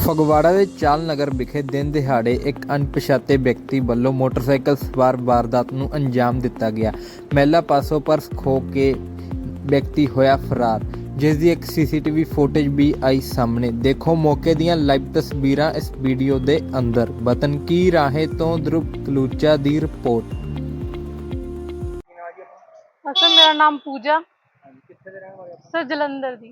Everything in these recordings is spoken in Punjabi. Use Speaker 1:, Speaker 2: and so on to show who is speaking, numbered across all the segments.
Speaker 1: ਫਗਵਾੜਾ ਦੇ ਚਾਲ ਨਗਰ ਵਿਖੇ ਦਿਨ ਦਿਹਾੜੇ ਇੱਕ ਅਣਪਛਾਤੇ ਵਿਅਕਤੀ ਵੱਲੋਂ ਮੋਟਰਸਾਈਕਲ ਸਵਾਰ ਵਾਰਦਾਤ ਨੂੰ ਅੰਜਾਮ ਦਿੱਤਾ ਗਿਆ। ਮਹਿਲਾ ਪਾਸੋਂ ਪਰਸ ਖੋਹ ਕੇ ਵਿਅਕਤੀ ਹੋਇਆ ਫਰਾਰ, ਜਿਸ ਦੀ ਇੱਕ ਸੀਸੀਟੀਵੀ ਫੁਟੇਜ ਵੀ ਆਈ ਸਾਹਮਣੇ। ਦੇਖੋ ਮੌਕੇ ਦੀਆਂ ਲਾਈਵ ਤਸਵੀਰਾਂ ਇਸ ਵੀਡੀਓ ਦੇ ਅੰਦਰ। ਵਤਨ ਕੀ ਰਾਹੇ ਤੋਂ ਧਰੁਵ ਕਲੂਚਾ ਦੀ ਰਿਪੋਰਟ।
Speaker 2: सर मेरा नाम पूजा सर जलंधर दी।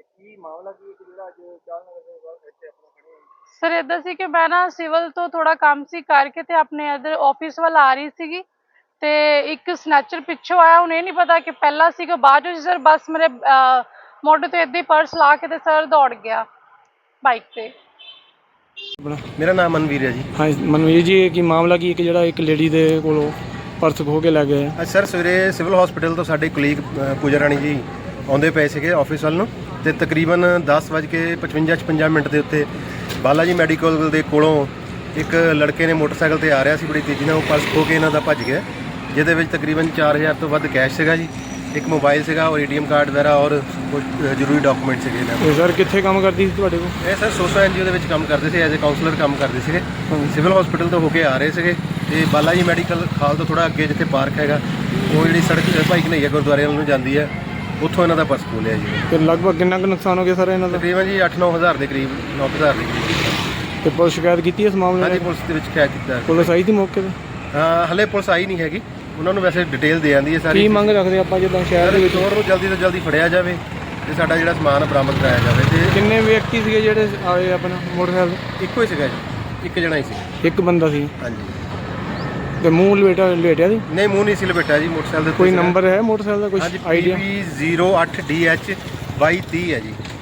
Speaker 2: सर इधर सी कि मैं ना सिविल तो थोड़ा काम सी करके ते अपने इधर ऑफिस वाल आ रही सी ते एक स्नैचर पिछों आया। उन्हें नहीं पता कि पहला सी कि बाद में सर बस मेरे मोढे तो इदा ही पर्स ला के ते सर दौड़ गया बाइक पे।
Speaker 3: मेरा नाम मनवीर है जी।
Speaker 4: हाँ मनवीर जी, की मामला की एक ਜਿਹੜਾ ਇੱਕ ਲੇਡੀ ਦੇ ਕੋਲੋਂ ਪਰਸ ਖੋ ਕੇ ਲੈ ਗਏ।
Speaker 3: ਅੱਜ ਸਰ ਸਵੇਰੇ ਸਿਵਲ ਹਸਪੀਟਲ ਤੋਂ ਸਾਡੇ ਕੁਲੀਗ ਪੂਜਾ ਰਾਣੀ ਜੀ ਆਉਂਦੇ ਪਏ ਸੀਗੇ ਆਫਿਸ ਵੱਲ ਨੂੰ, ਤੇ ਤਕਰੀਬਨ 10:55 ਦੇ ਉੱਤੇ ਬਾਲਾ ਜੀ ਮੈਡੀਕਲ ਦੇ ਕੋਲੋਂ ਇੱਕ ਲੜਕੇ ਨੇ ਮੋਟਰਸਾਈਕਲ ਤੇ ਆ ਰਿਹਾ ਸੀ ਬੜੀ ਤੇਜ਼ੀ ਨਾਲ। ਉਹ ਪਰਸ ਖੋ ਕੇ ਇਹਨਾਂ ਦਾ ਭੱਜ ਗਿਆ, ਜਿਹਦੇ ਵਿੱਚ ਤਕਰੀਬਨ 4000 ਤੋਂ ਵੱਧ ਕੈਸ਼ ਸੀਗਾ ਜੀ, ਇੱਕ ਮੋਬਾਈਲ ਸੀਗਾ ਔਰ ਏਟੀਐਮ ਕਾਰਡ ਵਗੈਰਾ ਔਰ ਕੁਝ ਜ਼ਰੂਰੀ ਡਾਕੂਮੈਂਟ ਸੀਗੇ ਇਹਨਾਂ ਦੇ।
Speaker 4: ਸਰ ਕਿੱਥੇ ਕੰਮ ਕਰਦੀ ਸੀ ਤੁਹਾਡੇ ਕੋਲ?
Speaker 3: ਇਹ ਸਰ ਸੋਸਾ ਐਨਜੀਓ ਦੇ ਵਿੱਚ ਕੰਮ ਕਰਦੇ ਸੀ, ਐਜ਼ ਅ ਕਾਉਂਸਲਰ ਕੰਮ ਕਰਦੇ ਸੀਗੇ। ਸਿਵਲ ਹਸਪੀਟਲ ਤੋਂ ਹੋ ਕੇ ਆ ਰਹੇ ਸੀਗੇ ਤੇ ਬਾਲਾ ਜੀ ਮੈਡੀਕਲ ਹਾਲ ਤੋਂ ਥੋੜਾ ਅੱਗੇ ਜਿੱਥੇ ਪਾਰਕ ਹੈਗਾ, ਉਹ ਜਿਹੜੀ ਸੜਕ ਭਾਈ ਕਨਈਆ ਗੁਰਦੁਆਰੇ ਵੱਲ ਨੂੰ ਜਾਂਦੀ ਹੈ, ਉੱਥੋਂ ਇਹਨਾਂ ਦਾ ਪਰਸ ਖੋਲਿਆ ਜੀ।
Speaker 4: ਤੇ ਲਗਭਗ ਕਿੰਨਾ ਕੁ ਨੁਕਸਾਨ ਹੋ ਗਿਆ ਸਰ ਇਹਨਾਂ ਦਾ?
Speaker 3: ਤਕਰੀਬਨ ਜੀ 8-9 ਹਜ਼ਾਰ ਦੇ ਕਰੀਬ, 9,000 ਦੇ ਕਰੀਬ।
Speaker 4: ਤੇ ਪੁਲਿਸ ਸ਼ਿਕਾਇਤ ਕੀਤੀ ਇਸ ਮਾਮਲੇ
Speaker 3: ਹਾਂਜੀ
Speaker 4: ਦੀ?
Speaker 3: ਪੁਲਿਸ ਦੇ ਵਿੱਚ ਸ਼ਿਕਾਇਤ ਕੀਤਾ।
Speaker 4: ਪੁਲਿਸ ਆਈ ਸੀ ਮੌਕੇ ਤੇ?
Speaker 3: ਹਲੇ ਪੁਲਿਸ ਆਈ ਨਹੀਂ ਹੈਗੀ, ਉਹਨਾਂ ਨੂੰ ਵੈਸੇ ਡਿਟੇਲ ਦੇ ਜਾਂਦੀ ਹੈ ਸਾਰੀ।
Speaker 4: ਕੀ ਮੰਗ ਰੱਖਦੇ ਆਪਾਂ ਜਿੱਦਾਂ ਸ਼ਹਿਰ ਦੇ ਵਿੱਚ
Speaker 3: ਚੋਰ ਨੂੰ ਜਲਦੀ ਤੋਂ ਜਲਦੀ ਫੜਿਆ ਜਾਵੇ ਤੇ ਸਾਡਾ ਜਿਹੜਾ ਸਮਾਨ ਬਰਾਮਦ ਕਰਾਇਆ ਜਾਵੇ। ਤੇ
Speaker 4: ਕਿੰਨੇ ਵਿਅਕਤੀ ਸੀਗੇ ਜਿਹੜੇ ਆਏ ਆਪਣਾ ਮੋਟਰਸਾਈਕਲ?
Speaker 3: ਇੱਕੋ ਹੀ ਸੀਗਾ ਜੀ, ਇੱਕ ਜਣਾ ਹੀ ਸੀ।
Speaker 4: ਇੱਕ ਬੰਦਾ ਸੀ?
Speaker 3: ਹਾਂਜੀ।
Speaker 4: ਤੇ ਮੂੰਹ ਲਪੇਟਿਆ ਸੀ?
Speaker 3: ਨਹੀਂ, ਮੂੰਹ ਨਹੀਂ ਸੀ ਲਪੇਟਿਆ ਜੀ। ਮੋਟਰਸਾਈਕਲ ਦੇ
Speaker 4: ਕੋਈ ਨੰਬਰ ਹੈ ਮੋਟਰਸਾਈਕਲ ਦਾ, ਕੁਝ ਆਈਡੀਆ?
Speaker 3: PB08DH 2230 ਹੈ ਜੀ।